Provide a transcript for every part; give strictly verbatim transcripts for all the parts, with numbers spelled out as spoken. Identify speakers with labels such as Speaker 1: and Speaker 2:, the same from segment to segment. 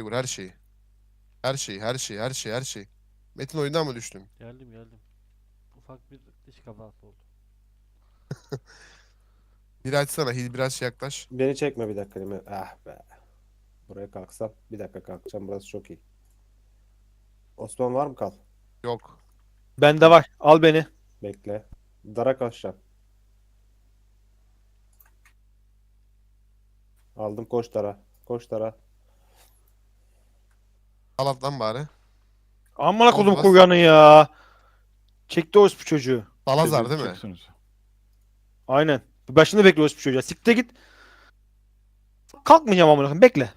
Speaker 1: vur her şeyi. Her şeyi her şeyi her şeyi her şeyi. Metin oyundan mı düştün?
Speaker 2: Geldim geldim. Ufak bir dış kazası oldu.
Speaker 1: Bir açsana Hil biraz yaklaş.
Speaker 3: Beni çekme bir dakika değil mi? Ah be. Buraya kalksam. Bir dakika kalkacağım. Burası çok iyi. Osman var mı kal?
Speaker 1: Yok.
Speaker 4: Bende var. Al beni.
Speaker 3: Bekle. Dara kaçacağım. Aldım koş Dara. Koş Dara.
Speaker 1: Al lan bari.
Speaker 4: Amına
Speaker 1: Boz
Speaker 4: kodum
Speaker 1: bas.
Speaker 4: kuryanı ya. Çekti orospu çocuğu.
Speaker 1: Salazar değil mi?
Speaker 5: Çeksiniz.
Speaker 4: Aynen. Başında bekle orospu çocuğa. Siktir git. Kalkmayacağım amına koyayım. Bekle.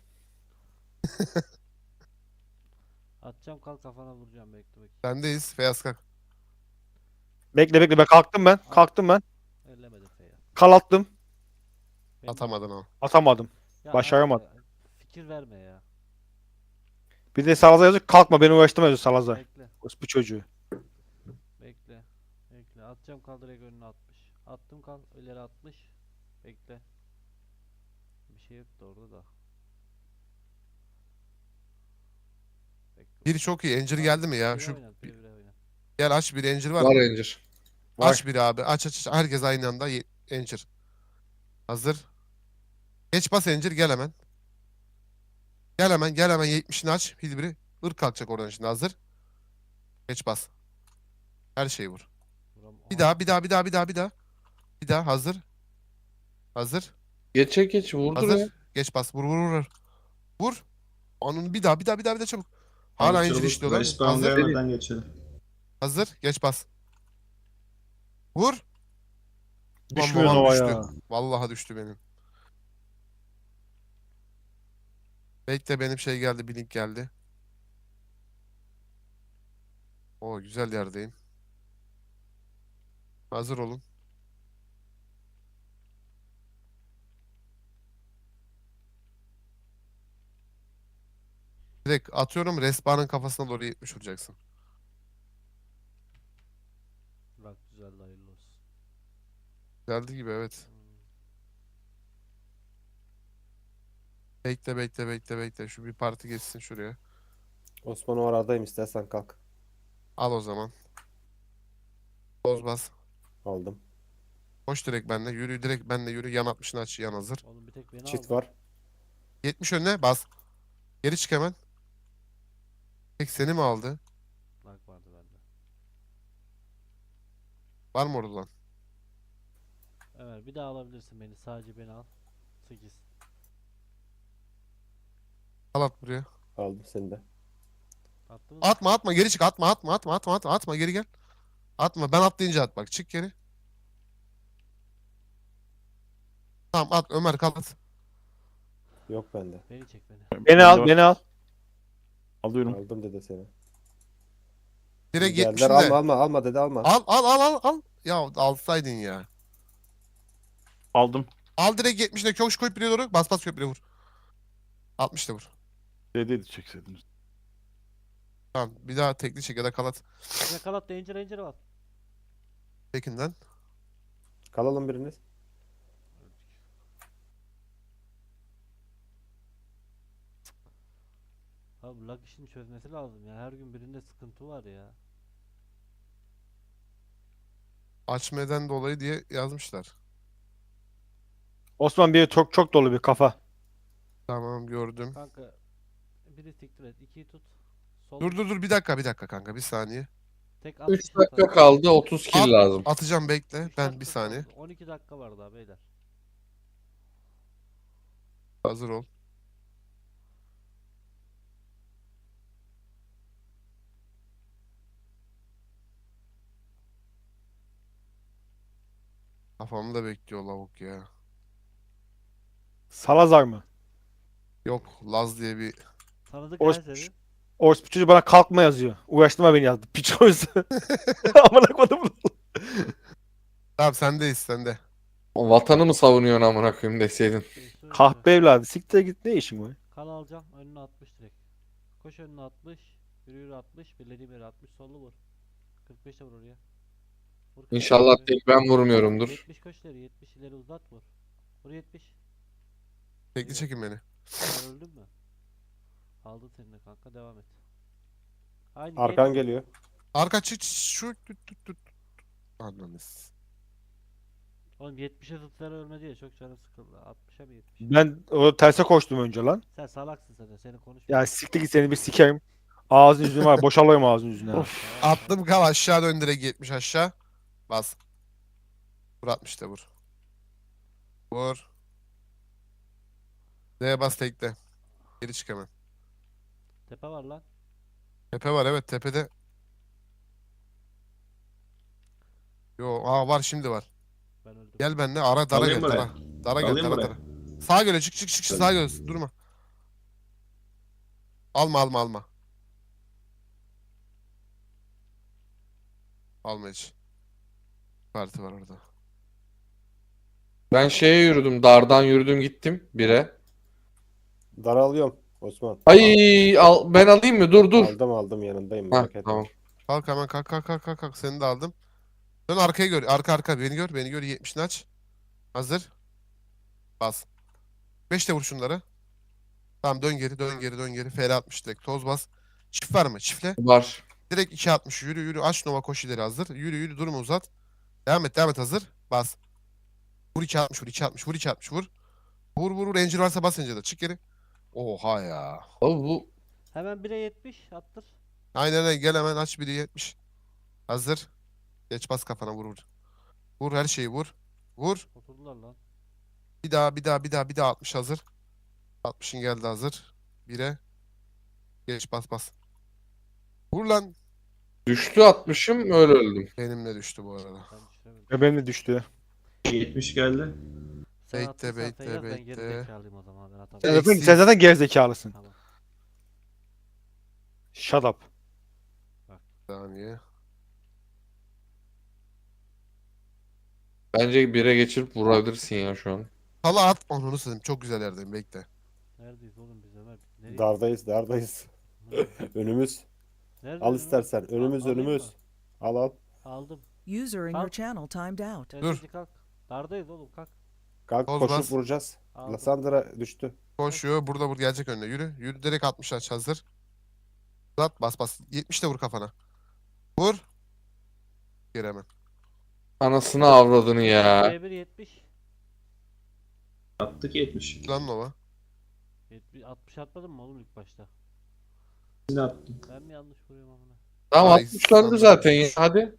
Speaker 2: Atacağım kalk kafana vuracağım bekle bekle.
Speaker 1: Sendeyiz. Feyyaz kalk.
Speaker 4: Bekle bekle. Ben kalktım ben. Kalktım ben.
Speaker 2: Ellemedim Feyyaz.
Speaker 4: Kal attım.
Speaker 2: Benim
Speaker 1: Atamadın
Speaker 2: attım.
Speaker 1: o.
Speaker 4: Atamadım.
Speaker 2: Ya
Speaker 4: Başaramadım.
Speaker 2: abi, fikir verme ya.
Speaker 4: Bir de Salazar yazıyor. Kalkma beni uğraştırma yazıyor Salazar.
Speaker 2: Bekle.
Speaker 4: Orospu çocuğu.
Speaker 2: Bekle. Bekle. Atacağım kal direkt önüne altmış. Attım kal ileri altmış. Bekle. Bir şey yok da orada da. Bekle.
Speaker 1: Biri çok iyi. Encir geldi mi ya?
Speaker 2: Bire
Speaker 1: Şu
Speaker 2: oynat, bire bire oynat.
Speaker 1: gel aç bir encir var
Speaker 6: Var
Speaker 1: mı?
Speaker 6: Ranger.
Speaker 4: Var.
Speaker 1: Aç bir abi. Aç aç aç. Herkes aynı anda ye- encir. Hazır. Geç bas encir gel hemen. Gel hemen gel hemen yetmişini aç. Hilbiri. Irk kalkacak oradan şimdi hazır. Geç bas. Her şeyi vur.
Speaker 2: Vuram-
Speaker 1: Bir
Speaker 2: Aha,
Speaker 1: daha bir daha bir daha bir daha bir daha. Bir daha hazır. Hazır.
Speaker 6: Geçe geç vurdur ya.
Speaker 1: Hazır. Geç bas. Vur vur vur. Vur. Onun bir daha bir daha bir daha bir daha çabuk. Hala
Speaker 7: Abi
Speaker 1: encir
Speaker 7: çabuk
Speaker 1: işliyorlar.
Speaker 7: respawn
Speaker 1: Hazır.
Speaker 7: gelmeden geçelim.
Speaker 1: Hazır. Geç bas. Vur. Ulan
Speaker 4: Düşmüyor
Speaker 1: babam
Speaker 4: Nova
Speaker 1: düştü.
Speaker 4: ya.
Speaker 1: Vallahi düştü benim. Bekle benim şey geldi. Bir link geldi. O güzel yerdeyim. Hazır olun. Direkt atıyorum. Respawn'ın kafasına doğru yetmiş vuracaksın.
Speaker 2: bak güzel hayırlı olsun.
Speaker 1: Geldi gibi evet.
Speaker 2: Hmm.
Speaker 1: Bekle bekle bekle bekle. Şu bir parti geçsin şuraya.
Speaker 3: Osman o aradayım istersen kalk.
Speaker 1: Al o zaman. Boz bas.
Speaker 3: Aldım.
Speaker 1: Koş direkt benle. Yürü direkt benle yürü. Yan altmışını aç. Yan hazır.
Speaker 2: Oğlum bir tek beni
Speaker 3: Çit
Speaker 2: aldı.
Speaker 3: var.
Speaker 1: yetmiş önüne bas. Geri çık hemen. Tek seni mi aldı?
Speaker 2: Bak vardı bende.
Speaker 1: Var mı orada lan?
Speaker 2: Evet bir daha alabilirsin beni. Sadece beni al. sekiz.
Speaker 1: Al at buraya.
Speaker 3: Aldım seni de.
Speaker 2: Attın mı?
Speaker 1: Atma atma geri çık. Atma atma atma atma atma atma geri gel. Atma. Ben atlayınca at bak. Çık geri. Tamam at Ömer kal at.
Speaker 3: Yok bende.
Speaker 2: Beni çek beni.
Speaker 4: Beni
Speaker 5: Bende
Speaker 4: al
Speaker 5: var.
Speaker 4: beni al.
Speaker 5: Alıyorum.
Speaker 3: Aldım dede seni.
Speaker 1: Direkt
Speaker 3: Geldiler
Speaker 1: yetmişinde.
Speaker 3: alma alma alma dede alma.
Speaker 1: Al al al al al. Ya alsaydın ya.
Speaker 5: Aldım.
Speaker 1: Al direkt yetmişine köşk koyup bire doğru. Bas bas köprüye vur. altmışta vur.
Speaker 5: D'deydi çekseydiniz.
Speaker 1: Tamam bir daha tekli çek ya da kalat.
Speaker 2: Yakalat danger danger var.
Speaker 1: Tekinden.
Speaker 3: Kalalım biriniz.
Speaker 2: Abi lag işini çözmesi lazım ya. Her gün birinde sıkıntı var ya.
Speaker 1: Açmadan dolayı diye yazmışlar.
Speaker 4: Osman bir çok çok dolu bir kafa.
Speaker 1: Tamam gördüm.
Speaker 2: Kanka biri siktir et. ikiyi tut. Sol.
Speaker 1: Dur dur dur bir dakika bir dakika kanka bir saniye.
Speaker 2: Tek
Speaker 6: üç
Speaker 2: altmış
Speaker 6: dakika
Speaker 2: atar.
Speaker 6: kaldı otuz
Speaker 1: At-
Speaker 6: kill lazım.
Speaker 1: Atacağım bekle.
Speaker 2: Üç
Speaker 1: Ben
Speaker 2: dakika
Speaker 1: bir saniye.
Speaker 2: kaldı. on iki dakika var daha beyler.
Speaker 1: Hazır ol. Kafamda bekliyor lavuk ya.
Speaker 4: Salazar mı?
Speaker 1: Yok Laz diye bir
Speaker 2: Tanıdık
Speaker 4: Orospu
Speaker 2: her seni.
Speaker 4: Orospu çocuğu bana kalkma yazıyor. Uğraştırma beni yazdı. Piç oysa. Amına kodum.
Speaker 1: Tamam sendeyiz sende.
Speaker 6: Vatanı mı savunuyorsun amına koyayım deseydin.
Speaker 2: Şey söyle.
Speaker 4: Kahpe evladı. Siktir git ne işin var?
Speaker 2: Kan alacağım. Önüne altmış direkt. Koş önüne altmış. Yürü yürü altmış. Birlediğim yere altmış. Sollu vur. kırk beş de vur oraya. Vur kırk beş
Speaker 6: İnşallah
Speaker 2: oraya.
Speaker 6: tek ben vurmuyorumdur.
Speaker 2: yetmiş koş ileri. yetmiş ileri uzat vur. Vur yetmiş.
Speaker 1: Tekli çekin beni.
Speaker 2: Sen öldün mü? Aldın seni de kanka, devam et. Aynı
Speaker 3: Arkan
Speaker 2: gel.
Speaker 3: geliyor.
Speaker 1: Arka çık şu tut tut tut. Anladınız.
Speaker 2: Oğlum yetmişe tutları ölmedi ya, çok canım sıkıldı. altmışa mı yetmiş?
Speaker 4: Ben o terse koştum önce lan.
Speaker 2: Sen salaksın zaten, seni
Speaker 4: Ya
Speaker 2: konuşmuyorum.
Speaker 4: siktir git seni bir sikeyim. Ağzın yüzün var. Boşalayım ağzın yüzüne.
Speaker 5: Of.
Speaker 2: Tamam,
Speaker 1: Attım kal aşağı dön direkt yetmiş aşağı. Bas. Vur altmış de vur. Vur. D'ye bas tekle. Geri çık hemen.
Speaker 2: tepe var lan.
Speaker 1: Tepe var evet tepede. Yo aa var şimdi var.
Speaker 2: Ben öldüm.
Speaker 1: Gel benimle ara dara
Speaker 7: Alayım
Speaker 1: gel
Speaker 7: buraya.
Speaker 1: dara. Dara gel
Speaker 7: Alayım
Speaker 1: dara
Speaker 7: buraya.
Speaker 1: dara. Sağa gel çık çık çık sağa gel durma. Alma alma alma. Alma hiç. Parti var orada.
Speaker 6: Ben şeye yürüdüm. Dardan yürüdüm gittim bire.
Speaker 3: Daralıyorum Osman.
Speaker 6: Ay al, ben alayım mı? Dur dur.
Speaker 3: Aldım aldım yanındayım
Speaker 6: Hah,
Speaker 3: merak etme.
Speaker 6: tamam.
Speaker 1: Kalk hemen kalk kalk kalk kalk kalk seni de aldım. Dön arkaya gör. Arka arka beni gör beni gör yetmişini aç. Hazır. Bas. beş de vur şunları. Tamam dön geri dön geri dön geri. F R altmış direkt toz bas. Çift var mı? Çiftle.
Speaker 6: Var.
Speaker 1: Direkt iki altmış yürü yürü. Aç Nova koş ileri hazır. Yürü yürü durma uzat. Devam et devam et hazır. Bas. Vur iki altmış vur iki altmış vur iki altmış vur. Vur vur vur. Encir varsa bas Encir'de. Çık geri. Oha ya.
Speaker 6: Abi bu
Speaker 2: Hemen bire yetmiş attır.
Speaker 1: Aynen öyle. Gel hemen aç biri yetmiş. Hazır. Geç bas kafana vur vur. Vur her şeyi vur. Vur.
Speaker 2: Oturdular lan.
Speaker 1: Bir daha bir daha bir daha bir daha altmış hazır. altmışın geldi hazır. Bire. Geç bas bas. Vur lan.
Speaker 6: düştü atmışım öyle öldüm.
Speaker 1: Benimle düştü bu arada.
Speaker 2: Ben düşüremedim.
Speaker 4: Ve benim de düştü.
Speaker 7: yetmiş geldi.
Speaker 2: Sen
Speaker 1: Bekle,
Speaker 2: attıysan sen
Speaker 1: bekle,
Speaker 2: yaz, ben geri
Speaker 1: bekle.
Speaker 2: zekalıyım o zaman, ben
Speaker 4: Sen
Speaker 2: atamam.
Speaker 4: zaten,
Speaker 1: Eksiz.
Speaker 4: sen zaten gerizekalısın.
Speaker 2: Tamam.
Speaker 4: Shut up.
Speaker 1: Bir saniye.
Speaker 6: Bence bire geçirip vurabilirsin ya şu an.
Speaker 1: Hala at onu satayım. Çok güzel yerdeyim bekle.
Speaker 2: Neredeyiz oğlum biz Ömer? Nereye?
Speaker 3: Dardayız dardayız. Önümüz.
Speaker 2: Nerede
Speaker 3: Al
Speaker 2: önüm?
Speaker 3: istersen. Önümüz
Speaker 2: alayım
Speaker 3: önümüz.
Speaker 2: mı?
Speaker 3: Al al.
Speaker 2: Aldım.
Speaker 8: User in your
Speaker 2: Kalk.
Speaker 8: channel timed out.
Speaker 2: Tepeci kalk. Dardayız oğlum, kalk.
Speaker 3: Kalk
Speaker 1: Toz
Speaker 3: koşup
Speaker 1: bas.
Speaker 3: vuracağız.
Speaker 2: Aldım.
Speaker 3: Lasandra düştü.
Speaker 1: Koşuyor. Burada vur gelecek önüne. Yürü. Yürü direkt altmış aç hazır. Uzat bas bas. yetmiş de vur kafana. Vur. Geri hemen.
Speaker 6: Anasını avradını ya.
Speaker 2: B bir yetmiş.
Speaker 7: Attık yetmiş.
Speaker 1: Lan Nova.
Speaker 2: yetmiş altmış atmadın mı oğlum ilk başta?
Speaker 7: Yine attım.
Speaker 2: Ben mi yanlış vuruyorum amına?
Speaker 6: Tamam
Speaker 1: Ay,
Speaker 6: altmış döndü
Speaker 1: sen-
Speaker 6: zaten ya. Hadi.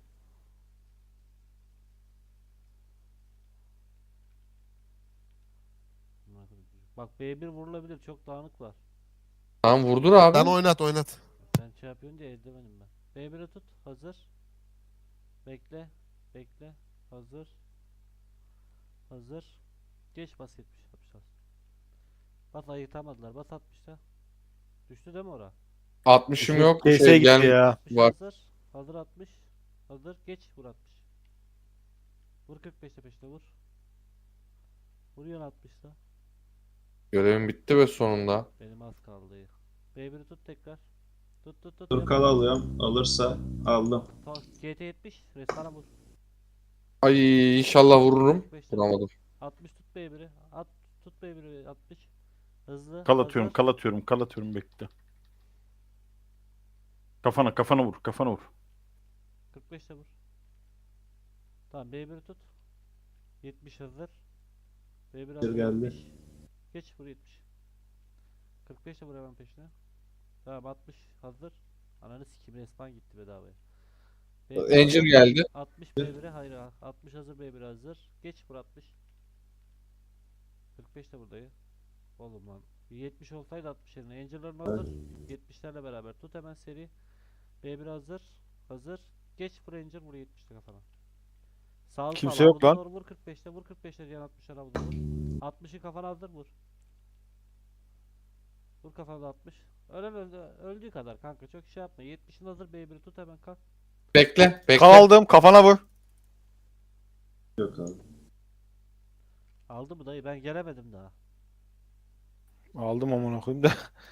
Speaker 2: Amına koyayım çocuk. Bak B bir vurulabilir, çok dağınık var.
Speaker 6: Tamam vurdur abi.
Speaker 1: Sen oynat oynat.
Speaker 2: Sen şey yapıyorsun diye eldivenim ben. B bir'i tut, hazır. Bekle, bekle, hazır. Hazır. Geç bas yetmiş altmış bas. Bas, ayıtamadılar, bas altmışta. Düştü değil mi ora?
Speaker 6: altmışım yok.
Speaker 4: D S'ye
Speaker 6: Şey,
Speaker 4: gitti
Speaker 6: gel.
Speaker 4: ya.
Speaker 2: altmış
Speaker 6: Var.
Speaker 2: hazır. Hazır altmış. Hazır, geç vur altmış. Vur kırk beşte peşte vur. Vuruyorsun altmışta.
Speaker 6: Görevim bitti ve sonunda.
Speaker 2: Benim az kaldı. B bir'i tut tekrar. Tut tut tut.
Speaker 7: Dur
Speaker 2: yap.
Speaker 7: kal alıyorum. Alırsa aldım.
Speaker 2: Ta- G T yetmiş. Restana vur.
Speaker 6: Ay inşallah vururum.
Speaker 2: kırk beşte
Speaker 6: Vuramadım.
Speaker 2: altmış tut B bir'i. At tut B bir'i altmış. Hızlı.
Speaker 5: Kal atıyorum,
Speaker 2: hazır.
Speaker 5: kal atıyorum, kal atıyorum bekle. Kafana, kafana vur, kafana vur.
Speaker 2: kırk beşte vur. Tamam B bir'i tut. yetmiş hazır. B bir hazır.
Speaker 7: geldi.
Speaker 2: yetmiş. Geç vur yetmiş. kırk beşte vur hemen peşine. Tamam altmış hazır. Ananı sikim, respawn gitti bedavaya. B bir
Speaker 6: Angel
Speaker 2: hazır.
Speaker 6: geldi.
Speaker 2: altmış B bir'e hayır ha- altmış hazır, B bir hazır. Geç vur altmış. kırk beşte buradayım. Oğlum lan. yetmiş olsaydı altmış yerine. Angel'ların hazır. yetmişlerle beraber tut hemen seri. B bir hazır. Hazır. Geç vur Angel, vur yetmişte kafana. Sağ
Speaker 4: Kimse
Speaker 2: sağ,
Speaker 4: yok
Speaker 2: avuda
Speaker 4: lan.
Speaker 2: doğru vur kırk beşte, vur kırk beşte, diyen altmışlar avuda vur. altmışı kafana hazır vur. Vur kafana altmış. Ölen öldü, öldüğü kadar kanka, çok şey yapma. yetmişin hazır, B bir'i tut hemen kalk.
Speaker 6: Bekle. Bekle.
Speaker 4: Kaldım kafana vur.
Speaker 7: Yok abi.
Speaker 2: Aldı mı dayı, ben gelemedim daha.
Speaker 4: Aldım amına koyayım da.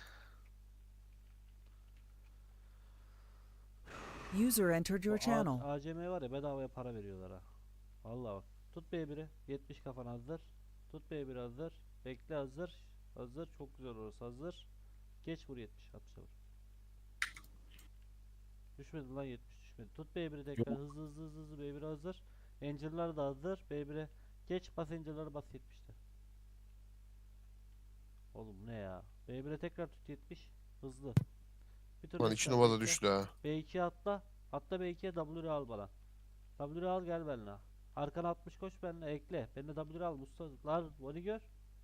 Speaker 8: User entered your
Speaker 2: Bu A-
Speaker 8: channel.
Speaker 2: A C M var ya, bedavaya para veriyorlar ha. Vallahi bak. Tut B bir'i. yetmiş kafana hazır. Tut B bir hazır. Bekle hazır. Hazır. Çok güzel orası hazır. Geç vur yetmiş. altmışa vur. Düşmedi lan yetmiş düşmedi. Tut B bir'i tekrar hızlı hızlı hızlı hızlı B bir hazır. Angel'lar da hazır. B bir'e geç bas Angel'ları bas yetmişte. Oğlum ne ya? B bir'e tekrar tut yetmiş. Hızlı. Bir tur
Speaker 1: Lan
Speaker 2: rest
Speaker 1: iki
Speaker 2: ver,
Speaker 1: numara
Speaker 2: bekle.
Speaker 1: düştü ha.
Speaker 2: B ikiye atla. Atla B ikiye W'yu al bana. W'yu al gel benimle. Arkana altmış koş benimle ekle. Benimle W'yu al Mustafa'lar. Onu gör.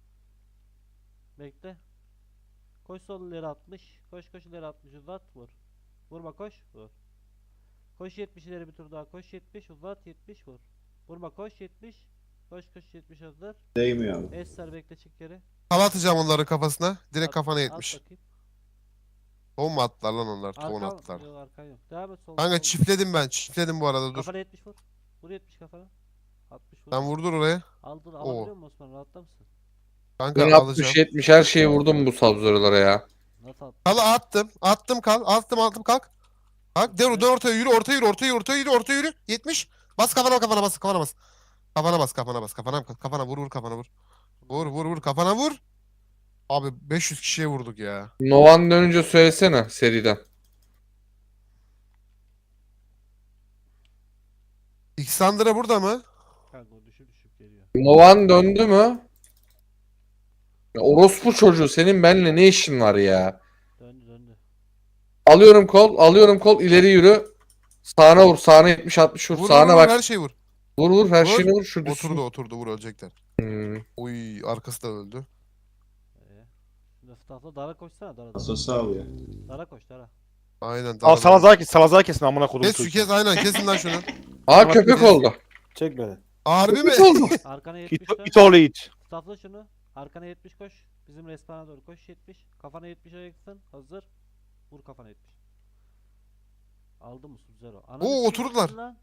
Speaker 2: Bekle. Koş sol ileri altmış. Koş koş ileri altmış uzat vur. Vurma koş vur. Koş yetmiş ileri bir tur daha koş yetmiş uzat yetmiş vur. Vurma koş yetmiş. Koş koş yetmiş hazır.
Speaker 7: Değmiyor abi.
Speaker 2: Esser bekle çık geri.
Speaker 1: Hava atacağım onları kafasına. Direkt
Speaker 2: At-
Speaker 1: kafana
Speaker 2: at
Speaker 1: yetmiş.
Speaker 2: bakayım.
Speaker 1: Tohum mu attılar lan onlar? Tohum
Speaker 2: Arkan
Speaker 1: attılar.
Speaker 2: yok arkan yok. Devam et sol.
Speaker 1: Kanka
Speaker 2: sol.
Speaker 1: çiftledim ben. Çiftledim bu arada dur.
Speaker 2: Kafana yetmiş vur. Vur yetmiş kafana. altmış vur.
Speaker 1: Sen vurdur oraya.
Speaker 2: Aldın
Speaker 1: Oo.
Speaker 2: alabiliyor musun Osman rahatla mısın?
Speaker 1: Kanka
Speaker 6: Ben
Speaker 1: alacağım.
Speaker 6: altmış yetmiş her şeyi vurdum bu sabzörlere ya.
Speaker 2: Nasıl attın?
Speaker 1: Kal attım. Attım kal. Attım attım kalk. Kalk dön, dön ortaya yürü ortaya yürü ortaya yürü ortaya yürü ortaya yürü. yetmiş. Bas kafana kafana bas kafana bas. Kafana bas kafana bas kafana kafana vur vur kafana vur. Vur vur vur kafana vur. Abi beş yüz kişiye vurduk ya.
Speaker 6: Novan dönünce söylesene seriden.
Speaker 1: Xandra burada mı?
Speaker 2: Kanka o düşüp düşüp geliyor.
Speaker 6: Novan döndü mü? Ya orospu çocuğu senin benimle ne işin var ya?
Speaker 2: Döndü döndü.
Speaker 6: Alıyorum kol, alıyorum kol, ileri yürü. Sağına vur, sağına yetmiş altmış vur,
Speaker 1: Vur vur
Speaker 6: sağına
Speaker 1: vur
Speaker 6: bak.
Speaker 1: her şeyi vur.
Speaker 6: Vur vur, her
Speaker 1: Vur.
Speaker 6: şeyini vur, şu düşsün.
Speaker 1: Oturdu oturdu vur ölecekler.
Speaker 6: Hmm.
Speaker 1: Oy arkası da öldü.
Speaker 2: Ee, şimdi Mustafa dara koşsana dara dara.
Speaker 7: Asosu alıyor.
Speaker 2: Dara koş dara.
Speaker 1: Aynen.
Speaker 4: Al
Speaker 1: tamam.
Speaker 4: Salazar kes. Salazar kesin amına kodum.
Speaker 1: Kes şu kes aynen kesin lan şunu.
Speaker 6: Aa köpek oldu.
Speaker 3: Çek beni.
Speaker 1: Harbi mi?
Speaker 6: Köpek oldu.
Speaker 2: Arkana
Speaker 4: İt,
Speaker 2: yetmiş dön.
Speaker 4: it oğlu it.
Speaker 2: Mustafa şunu. Arkana yetmiş koş. Bizim respana doğru koş yetmiş. Kafana yetmiş ayaksın. Hazır. Vur kafana yetmiş. Aldı mı Sub-Zero? Ananı
Speaker 1: Oo,
Speaker 2: kim
Speaker 1: oturdular.
Speaker 2: vurdun lan?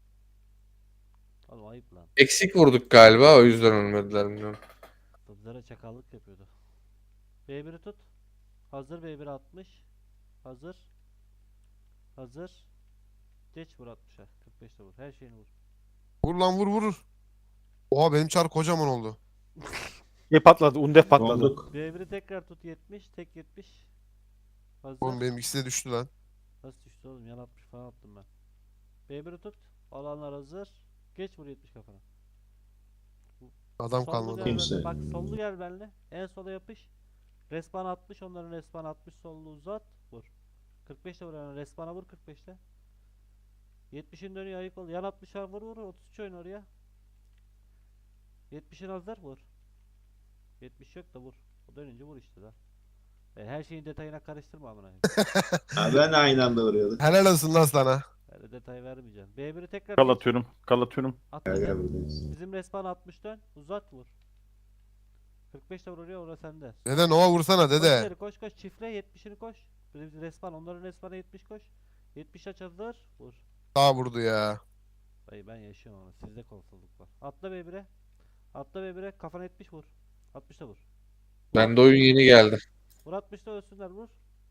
Speaker 2: Oğlum ayıp lan.
Speaker 6: Eksik vurduk galiba, o yüzden ölmediler bilmiyorum.
Speaker 2: Sub-Zero çakallık yapıyordu. B bir'i tut. Hazır B bir altmış. Hazır. Hazır. Geç vur altmışa. kırk beşte vur. Her şeyini vur.
Speaker 1: Vur lan vur vur. Oha benim çar kocaman oldu.
Speaker 4: Ne patladı? Undef patladı.
Speaker 7: Donduk.
Speaker 2: B bir'i tekrar tut yetmiş. Tek yetmiş. Hazır.
Speaker 1: Oğlum benim ikisi de düştü lan.
Speaker 2: Nasıl düştü oğlum? Yan altmış falan attım ben. B bir'i tut. Alanlar hazır. Geç vur yetmiş kafana.
Speaker 1: Adam
Speaker 2: Sollu
Speaker 1: kalmadı.
Speaker 2: gel
Speaker 7: Kimse.
Speaker 2: benimle. Bak sollu gel benimle. En sola yapış. Respawn altmış. Onların respawn altmış. Sollu uzat. Vur. kırk beşte vur. Yani respawn'a vur kırk beşte. yetmişin dönüyor ayık ol. Yan altmışa vur vur. otuz üç oyun oraya. yetmişin hazır vur. yetmiş yok da vur. O dönünce vur işte da. E, her şeyin detayına karıştırma amına.
Speaker 7: Ha, ben de aynı anda vuruyorduk.
Speaker 1: Helal olsun lan sana.
Speaker 2: Öyle detay vermeyeceğim. B bir'i tekrar
Speaker 5: Kal
Speaker 2: geç.
Speaker 5: atıyorum. Kal atıyorum.
Speaker 2: Atla
Speaker 7: Gel
Speaker 2: gel.
Speaker 7: gel buradayız.
Speaker 2: Bizim respawn altmış dön. Uzat vur. kırk beşte vur oraya orası sende.
Speaker 1: Dede Nova vursana
Speaker 2: Koş
Speaker 1: dede.
Speaker 2: ileri, koş koş çiftle yetmişini koş. Bizim respawn onların respawn'a yetmiş koş. yetmiş aç hazır. Vur.
Speaker 1: Daha vurdu ya.
Speaker 2: Dayı ben yaşıyorum ama sizde konsolosluk var. Atla B bir'e. Atla B bir'e kafana yetmiş vur. altmışta vur.
Speaker 6: Bende oyun yeni geldi.
Speaker 2: Vur altmışta ölsünler vur.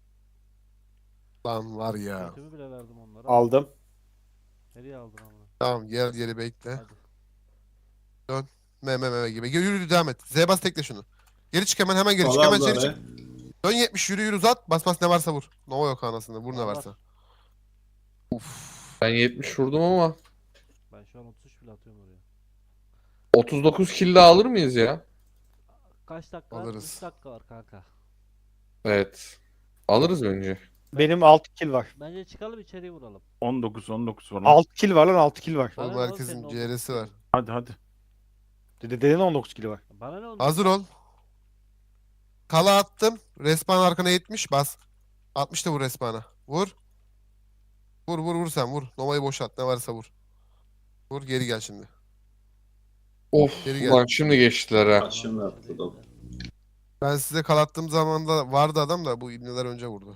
Speaker 1: Lan var ya.
Speaker 2: Götümü bile verdim onlara.
Speaker 3: Aldım.
Speaker 2: Nereye aldın amına?
Speaker 1: Tamam gel geri bekle.
Speaker 2: Hadi.
Speaker 1: Meme meme gibi. Gel, yürü devam et. Z bas tekle şunu. Geri çık hemen hemen geri çık.
Speaker 7: Sola
Speaker 1: Hemen
Speaker 7: aldı
Speaker 1: geri
Speaker 7: oraya.
Speaker 1: çık. Dön yetmiş yürü yürü uzat. Bas bas ne varsa vur. Nova yok anasını. Vur ne
Speaker 2: Var, var.
Speaker 1: varsa. Uf.
Speaker 6: Ben yetmiş vurdum ama
Speaker 2: Ben şu an otuz üç bile atıyorum oraya.
Speaker 6: otuz dokuz kill daha alır mıyız ya?
Speaker 2: Kaç dakika var?
Speaker 1: Alırız.
Speaker 2: üç dakika var kanka.
Speaker 6: Evet. Alırız bence.
Speaker 4: Benim altı kill var.
Speaker 2: Bence çıkalım içeriye vuralım.
Speaker 5: on dokuz on dokuz var lan.
Speaker 4: altı kill var lan altı kill var.
Speaker 2: Bana
Speaker 1: Oğlum
Speaker 2: ne oğlum
Speaker 1: herkesin
Speaker 2: senin on
Speaker 1: C R'si
Speaker 2: dokuz
Speaker 1: var.
Speaker 2: kilin?
Speaker 5: Hadi hadi.
Speaker 4: Dede dedenin on dokuz kill var.
Speaker 2: Bana ne oldu?
Speaker 1: Hazır ol. Kala attım. Respawn arkana yetmiş bas. altmış da vur respawn'a. Vur. Vur vur vur sen vur. Nova'yı boşalt ne varsa vur. Vur geri gel şimdi.
Speaker 6: Of
Speaker 1: Geri gel.
Speaker 6: ulan şimdi geçtiler ha.
Speaker 7: Bak şimdi attı da.
Speaker 1: Ben size kalattığım zaman da vardı adam da bu ibneler önce vurdu.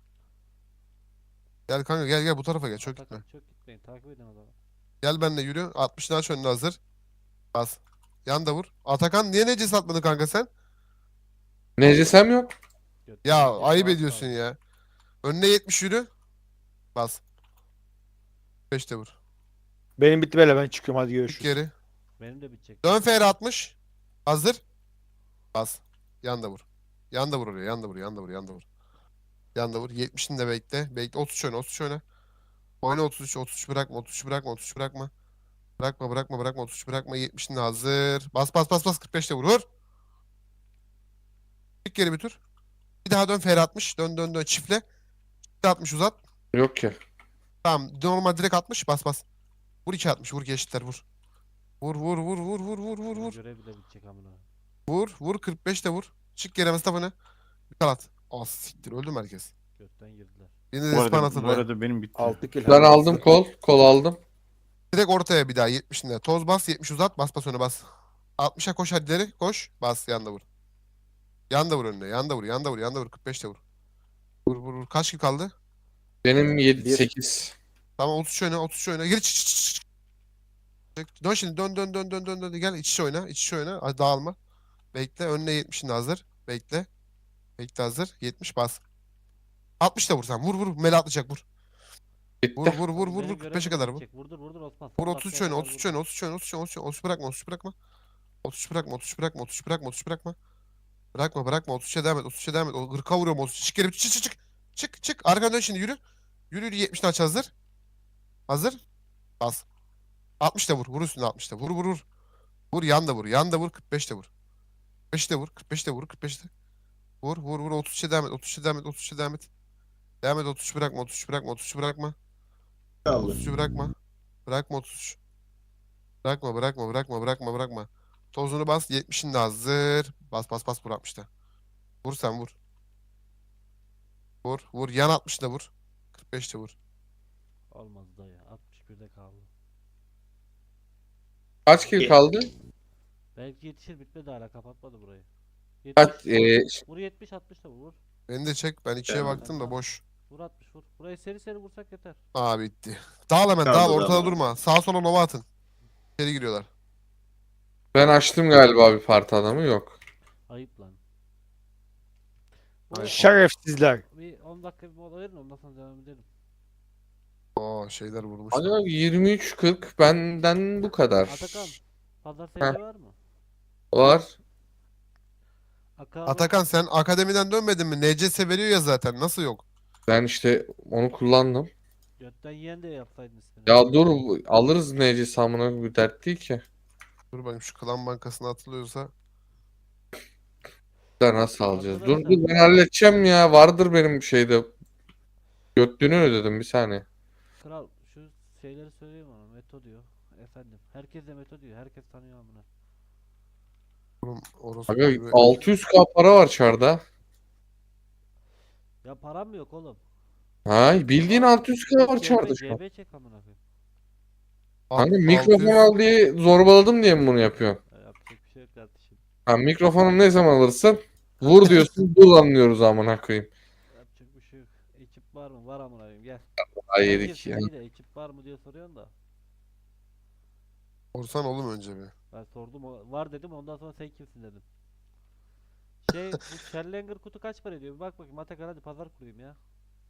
Speaker 1: Gel kanka gel gel bu tarafa gel çok gitme.
Speaker 2: Atakan, çok gitmeyin. Takip edin adamı.
Speaker 1: Gel benimle yürü. altmışını aç önüne hazır. Bas. Yan da vur. Atakan niye nece satmadın kanka sen?
Speaker 6: Necesem yok.
Speaker 2: Götünü
Speaker 1: Ya
Speaker 2: yiyecek,
Speaker 1: ayıp
Speaker 2: rahat
Speaker 1: ediyorsun
Speaker 2: kal.
Speaker 1: ya. Önüne yetmiş yürü. Bas. beş de vur.
Speaker 4: Benim bitti böyle ben çıkıyorum hadi
Speaker 1: Çık
Speaker 4: görüşürüz.
Speaker 1: geri.
Speaker 2: Benim de bitecek.
Speaker 1: Dön F R altmış. Hazır. Bas. Yan da vur. Yan da vur oraya. Yan da vur. Yan da vur. Yan da vur. Yanda vur. yetmişini de bekle. Bekle. otuz üç oyna. otuz üç oyna. Oyna otuz üç. otuz üç bırakma. otuz üç bırakma. otuz üç bırakma. Bırakma bırakma bırakma. otuz üç bırakma. yetmişin de hazır. Bas bas bas bas. kırk beşte vur. Vur. Çık geri bir tur. Bir daha dön. Fer altmış. Dön dön dön. Çiftle. Çiftle altmış uzat.
Speaker 6: Yok ki.
Speaker 1: Tamam. Normal direkt altmış. Bas bas. Vur iki altmış. Vur geçitler vur. Vur vur vur vur vur vur vur
Speaker 2: Ona
Speaker 1: vur.
Speaker 2: göre bile bitecek amına.
Speaker 1: Vur vur kırk beşte vur. Çık geri Mustafa'nı. Bir kalat. Az siktir öldü mü herkes?
Speaker 2: Götten girdiler.
Speaker 1: Yine de
Speaker 5: Bu
Speaker 1: span
Speaker 5: arada,
Speaker 1: atıldı.
Speaker 5: bu arada benim bitti.
Speaker 3: altı kill.
Speaker 6: Ben aldım kol. Kol aldım.
Speaker 1: Direkt ortaya bir daha yetmişinde. Toz bas yetmiş uzat. Bas bas öne bas. altmışa koş hadi ileri. Koş. Bas yanda vur. Yanda vur önüne. Yanda vur. Yanda vur. Yanda vur. kırk beşte vur. Vur vur vur. Kaç kill kaldı?
Speaker 6: Benim yedi
Speaker 3: Bir.
Speaker 6: sekiz.
Speaker 1: Tamam otuz üç oyna. otuz üç oyna. Gir. Çık, çık, çık, çık. Çık. Dön şimdi. Dön dön dön dön dön dön. Gel iç içe oyna. İç içe oyna. Hadi dağılma. Bekle. Önüne yetmişinde hazır. Bekle. Bekle hazır. yetmiş bas. altmış da vur sen. Vur vur. Mele atlayacak vur. Vur
Speaker 6: Bitti.
Speaker 1: vur vur
Speaker 2: Oğlum
Speaker 1: vur
Speaker 2: benim
Speaker 1: vur. kırk
Speaker 2: görev
Speaker 1: beşe
Speaker 2: bile
Speaker 1: kadar vur.
Speaker 2: bitecek. Vurdur vurdur Osman.
Speaker 1: Vur
Speaker 2: Son
Speaker 1: otuz üç
Speaker 2: dakikaya
Speaker 1: oyna.
Speaker 2: kadar
Speaker 1: otuz üç
Speaker 2: vurdur.
Speaker 1: oyna. otuz üç oyna. otuz üç oyna. otuz üç oyna. otuz bırakma. otuz üç bırakma. otuz üç bırakma. otuz üç bırakma. otuz üç bırakma. otuz üç bırakma. Bırakma bırakma. otuz üçe devam et. otuz üçe devam et. O kırka vuruyorum otuz üç. Çık geri. Çık çık çık. Çık çık. Arkadan dön şimdi yürü. Yürü yürü. yetmişini aç hazır. Hazır. Bas. altmış da vur. Vur üstüne altmış da. Vur vur vur. Vur yan da vur. Yan da vur. kırk beş de vur. kırk beş de vur. kırk beş de vur. kırk beş de. Vur vur vur. otuz üçe devam et. otuz üçe devam et. otuz üçe devam et. Devam et. otuz üç bırakma. otuz üç bırakma. otuz üç bırakma.
Speaker 7: Kaldı.
Speaker 1: otuz üçü bırakma. Bırakma otuz üç. Bırakma bırakma bırakma bırakma bırakma. Tozunu bas. yetmişin de hazır. Bas bas bas vur altmış da. Vur sen vur. Vur vur. Yan altmış da vur. kırk beş de vur.
Speaker 2: Olmaz dayı. altmış birde kaldı.
Speaker 6: Kaç kill kaldı?
Speaker 2: Belki yetişir bitmedi hala kapatmadı burayı.
Speaker 6: Kaç,
Speaker 2: yetmiş,
Speaker 6: e,
Speaker 2: vur yetmiş altmış da vur.
Speaker 1: Beni de çek. Ben ikiye
Speaker 7: Tamam.
Speaker 1: baktım da boş.
Speaker 2: Vur altmış vur. Burayı seri seri vursak yeter.
Speaker 1: Aa bitti. Dağıl hemen
Speaker 7: Kaldı
Speaker 1: dağıl.
Speaker 7: da
Speaker 1: Ortada
Speaker 7: ama.
Speaker 1: durma. Sağa sola nova atın. İçeri giriyorlar.
Speaker 6: Ben açtım galiba bir parti adamı yok.
Speaker 2: Ayıp lan.
Speaker 1: Ay,
Speaker 4: Şerefsizler.
Speaker 2: Bir on dakika bir mola verin ondan sonra devam edelim.
Speaker 1: Oo şeyler vurmuş.
Speaker 6: Hadi yirmi üç kırk benden bu kadar.
Speaker 2: Atakan. Pazar seyirci var mı?
Speaker 6: Var.
Speaker 2: Aka
Speaker 1: Atakan sen akademiden dönmedin mi? N C S veriyor ya zaten. Nasıl yok?
Speaker 6: Ben işte onu kullandım.
Speaker 2: götten yiyen de yapsaydın ismini.
Speaker 6: Ya dur alırız neci samına bir dert değil ki.
Speaker 1: Dur bakayım şu klan bankasına atılıyorsa.
Speaker 6: Da nasıl alacağız? Dur
Speaker 2: Arkadaşlar-
Speaker 6: dur ben halledeceğim ya. Vardır benim şeyde. Götlüğünü ödedim bir saniye.
Speaker 2: Kral şu şeyleri söyleyeyim ona. Meto diyor. Efendim. Herkes de Meto diyor. Herkes tanıyor amına.
Speaker 1: Oğlum orospu
Speaker 6: Aga
Speaker 1: gibi.
Speaker 6: altı yüz k para var çarda.
Speaker 2: Ya param mı yok oğlum?
Speaker 6: Ha bildiğin altı yüz k var çarda şu an.
Speaker 2: C B çek amına koyayım.
Speaker 6: Hani
Speaker 1: Alt-
Speaker 6: mikrofon
Speaker 1: altı yüz
Speaker 6: al diye zorbaladım diye mi bunu yapıyorsun?
Speaker 2: Ya yapacak bir şey yok kardeşim.
Speaker 6: Ha mikrofonu ne zaman alırsın? Vur diyorsun, dur anlıyoruz amına koyayım.
Speaker 2: Yapacak bir şey yok. Ekip var mı? Var amına koyayım gel.
Speaker 6: Ay
Speaker 2: Herkes
Speaker 6: yedik ya.
Speaker 2: iyi de ekip var mı diye soruyorsun da.
Speaker 1: Sorsan oğlum önce bir.
Speaker 2: Ben sordum o- var dedim ondan sonra sen kimsin dedim. Şey bu Challenger kutu kaç para ediyor? Bir bak bakayım Atakan hadi pazar kurayım ya.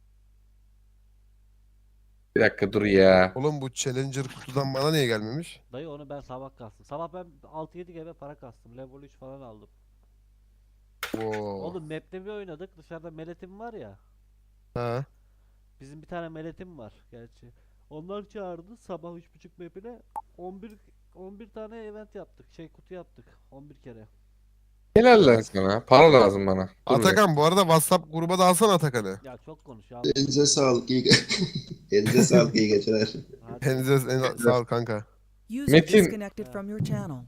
Speaker 6: Bir dakika dur ya.
Speaker 1: Oğlum bu Challenger kutudan bana niye gelmemiş?
Speaker 2: Dayı onu ben sabah kastım. Sabah ben altı yedi G B para kastım. Level üç falan aldım.
Speaker 1: Oo.
Speaker 2: Oğlum map'te bir oynadık. Dışarıda meletim var ya.
Speaker 1: Ha.
Speaker 2: Bizim bir tane meletim var gerçi. Onlar çağırdı sabah üç buçuk map'ine on bir on bir tane event yaptık. Şey kutu yaptık on bir kere.
Speaker 6: Helal lan sana. Para lazım bana. Dur bir dakika.
Speaker 1: Atakan bu arada WhatsApp gruba da alsana Atakan'ı.
Speaker 2: Ya çok konuş ya.
Speaker 7: Elinize sağlık. iyi ge- Elinize sağlık. iyi geceler.
Speaker 2: Hadi.
Speaker 1: Elinize en- sağ ol kanka.
Speaker 8: User
Speaker 6: Metin-
Speaker 8: disconnected from your channel.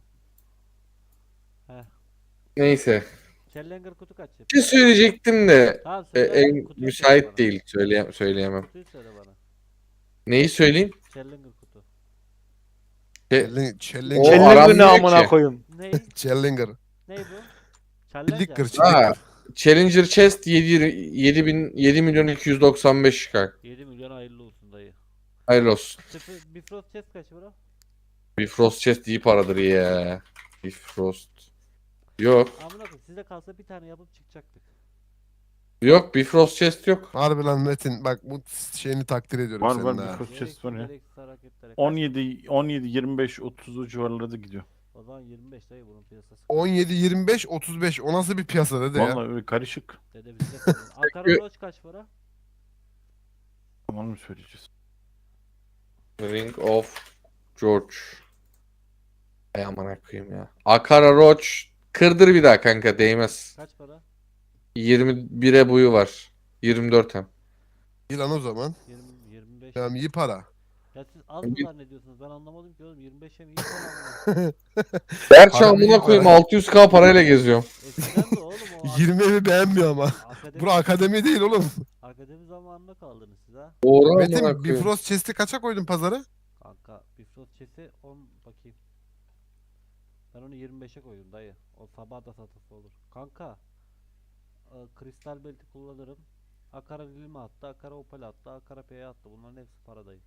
Speaker 6: Neyse.
Speaker 2: Challenger kutu kaç yap?
Speaker 6: Bir şey söyleyecektim de
Speaker 2: Tamam
Speaker 6: e,
Speaker 2: söyle.
Speaker 6: en
Speaker 2: kutuyu söyle
Speaker 6: müsait
Speaker 2: bana.
Speaker 6: değil. Söyleye söyleyemem.
Speaker 2: Kutuyu söyle bana.
Speaker 6: Neyi söyleyeyim?
Speaker 2: Challenger kutu.
Speaker 6: E,
Speaker 1: Challenger.
Speaker 6: O
Speaker 1: Challenger.
Speaker 6: aram
Speaker 4: Challenger'ı
Speaker 6: diyor
Speaker 4: amına
Speaker 6: ki.
Speaker 4: koyayım.
Speaker 2: Ney?
Speaker 1: Challenger.
Speaker 2: Ney bu?
Speaker 1: Çillik kır
Speaker 2: Challenger.
Speaker 1: çillik
Speaker 6: Ha,
Speaker 1: kır.
Speaker 6: Challenger Chest yedi bin yedi milyon iki yüz doksan beş çıkar.
Speaker 2: yedi milyon hayırlı olsun dayı.
Speaker 6: Hayırlı olsun.
Speaker 2: Sıfır Bifrost chest kaç bro?
Speaker 6: Bifrost Chest iyi paradır ya. Bifrost. Yok.
Speaker 2: Amına koyayım size kalsa bir tane yapıp çıkacaktık.
Speaker 6: Yok Bifrost Chest yok.
Speaker 1: Harbi lan Metin bak bu şeyini takdir ediyorum
Speaker 5: Var,
Speaker 1: senin
Speaker 5: var,
Speaker 1: ha.
Speaker 5: bir Frost chest var ya.
Speaker 2: gereksiz hareketlere. Kaç-
Speaker 5: on yedi, on yedi, yirmi beş, otuz o civarlarda gidiyor.
Speaker 2: O zaman yirmi beş dayı bunun piyasası.
Speaker 1: on yedi, yirmi beş, otuz beş. O nasıl bir piyasa dede ya?
Speaker 5: Vallahi öyle karışık.
Speaker 2: Dede bizde kalın. Ankara Roach kaç para?
Speaker 5: Tamam mı söyleyeceğiz?
Speaker 6: Ring of George. Ay amına koyayım ya. Akara Roach. Kırdır bir daha kanka değmez.
Speaker 2: Kaç para?
Speaker 6: yirmi bire buyu var. yirmi dört hem.
Speaker 1: İyi lan o zaman.
Speaker 2: yirmi yirmi beş.
Speaker 1: Tamam iyi para.
Speaker 2: Ya siz az mı
Speaker 6: Bir-
Speaker 2: zannediyorsunuz? Ben anlamadım ki oğlum. yirmi beşe mi iyi para mı?
Speaker 6: Gerçi
Speaker 1: Para
Speaker 6: amına
Speaker 1: büyük
Speaker 6: koyayım
Speaker 1: para.
Speaker 6: altı yüz k parayla geziyorum.
Speaker 2: Eskiden de oğlum o ak-
Speaker 1: yirmi evi beğenmiyor ama.
Speaker 2: akademi,
Speaker 1: Bura akademi değil oğlum.
Speaker 2: akademi zamanında kaldınız siz ha.
Speaker 6: Doğru amına
Speaker 1: Metin
Speaker 6: koyayım.
Speaker 1: Bifrost chest'i kaça koydun pazara?
Speaker 2: Kanka Bifrost chest'i on bakayım. Ben onu yirmi beşe koydum dayı. O sabah da satısı olur. Kanka e, kristal belti kullanırım. Akara Lilime attı, Akara Opal attı, Akara P'ye attı. Bunların hepsi para dayı.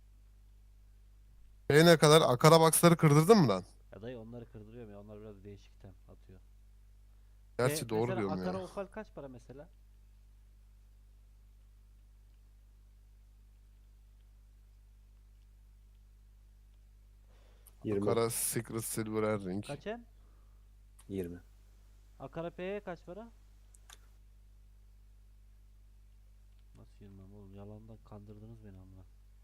Speaker 1: E ne kadar? Akara box'ları kırdırdın mı lan?
Speaker 2: Ya dayı onları kırdırıyorum ya. Onlar biraz değişik item atıyor.
Speaker 1: Gerçi
Speaker 2: E,
Speaker 1: doğru
Speaker 2: mesela
Speaker 1: diyorum
Speaker 2: Akara
Speaker 1: ya.
Speaker 2: Opal kaç para mesela?
Speaker 3: yirmi.
Speaker 1: Akara Secret Silver Ring.
Speaker 2: Kaç en?
Speaker 3: yirmi.
Speaker 2: Akara P'ye kaç para? Nasıl yirmi oğlum? Yalandan kandırdınız beni amına.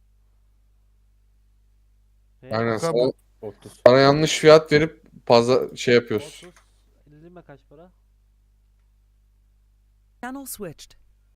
Speaker 2: P
Speaker 6: Aynen
Speaker 1: Kanka
Speaker 6: sana,
Speaker 1: bu-
Speaker 3: otuz.
Speaker 6: sana yanlış fiyat verip fazla şey yapıyoruz.
Speaker 2: otuz. Lilime kaç para?
Speaker 8: Channel switched.